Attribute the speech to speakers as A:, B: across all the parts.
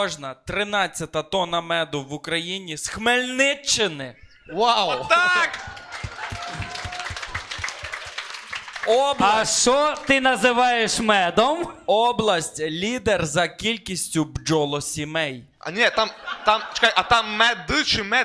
A: Можна 13-та тонна меду в Україні з Хмельниччини.
B: Вау!
A: Так!
C: А
A: Область,
C: що ти називаєш медом?
A: область лідер за кількістю бджолосімей.
B: А ні, чекай, а там мед чи мед?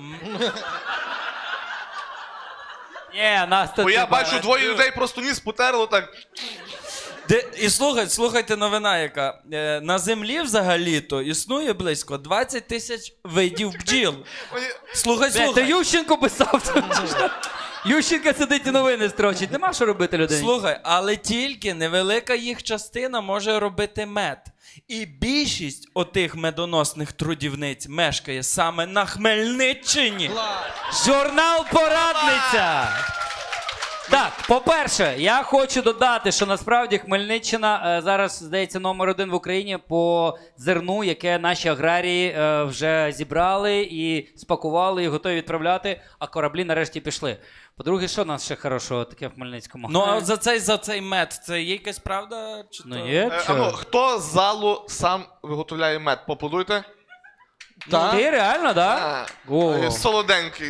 C: Ні, нас тут...
B: Бо я
C: типа,
B: бачу, двоє людей просто ніс потерло так.
A: І слухайте новина яка. На землі взагалі-то існує близько 20 тисяч видів бджіл. Слухай.
C: Ти Ющенко писав. Ющенко сидить і новини строчить. Нема що робити людині.
A: Слухай, але тільки невелика їх частина може робити мед. І більшість отих медоносних трудівниць мешкає саме на Хмельниччині.
C: Журнал «Порадниця». Так, по-перше, я хочу додати, що насправді Хмельниччина зараз, здається, номер 1 в Україні по зерну, яке наші аграрії вже зібрали і спакували, і готові відправляти, а кораблі нарешті пішли. По-друге, що в нас ще хорошого таке в Хмельницькому?
A: Ну, а от за цей мед, це є якась правда? Чи
C: Ну,
A: то?
C: є, що?
B: Хто з залу сам виготовляє мед? Поаплодуйте.
C: Ти реально, так? О.
B: Солоденький.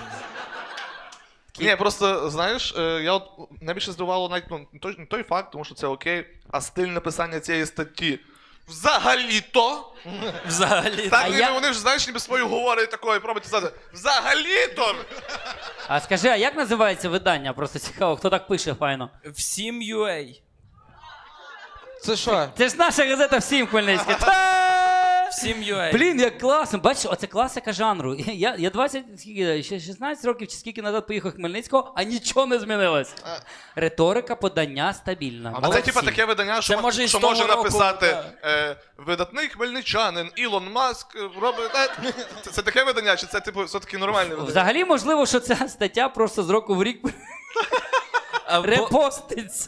B: Ні, просто, знаєш, я от найбільше здивувало навіть не той факт, тому що це окей, а стиль написання цієї статті. Взагалі-то.
A: Взагалі.
B: Так, вони ж, знаєш, ніби свою говорять такою, пробують сказати. Взагалі-то.
C: А скажи, а як називається видання? Просто цікаво, хто так пише файно.
A: Всім UA.
D: Це що?
C: Це ж наша газета «Всім Хмельницька».
A: Всім UA.
C: Блін, як класно. Бачиш, оце класика жанру. Я 16 років чи скільки назад поїхав в Хмельницького, а нічого не змінилось. Риторика подання стабільна.
B: А це типа таке видання, що
A: може і з
B: що
A: того
B: може
A: року,
B: написати
A: так.
B: видатний хмельничанин Ілон Маск робить. Це таке видання, чи це типу все-таки нормальне видання?
C: Взагалі, можливо, що ця стаття просто з року в рік репоститься.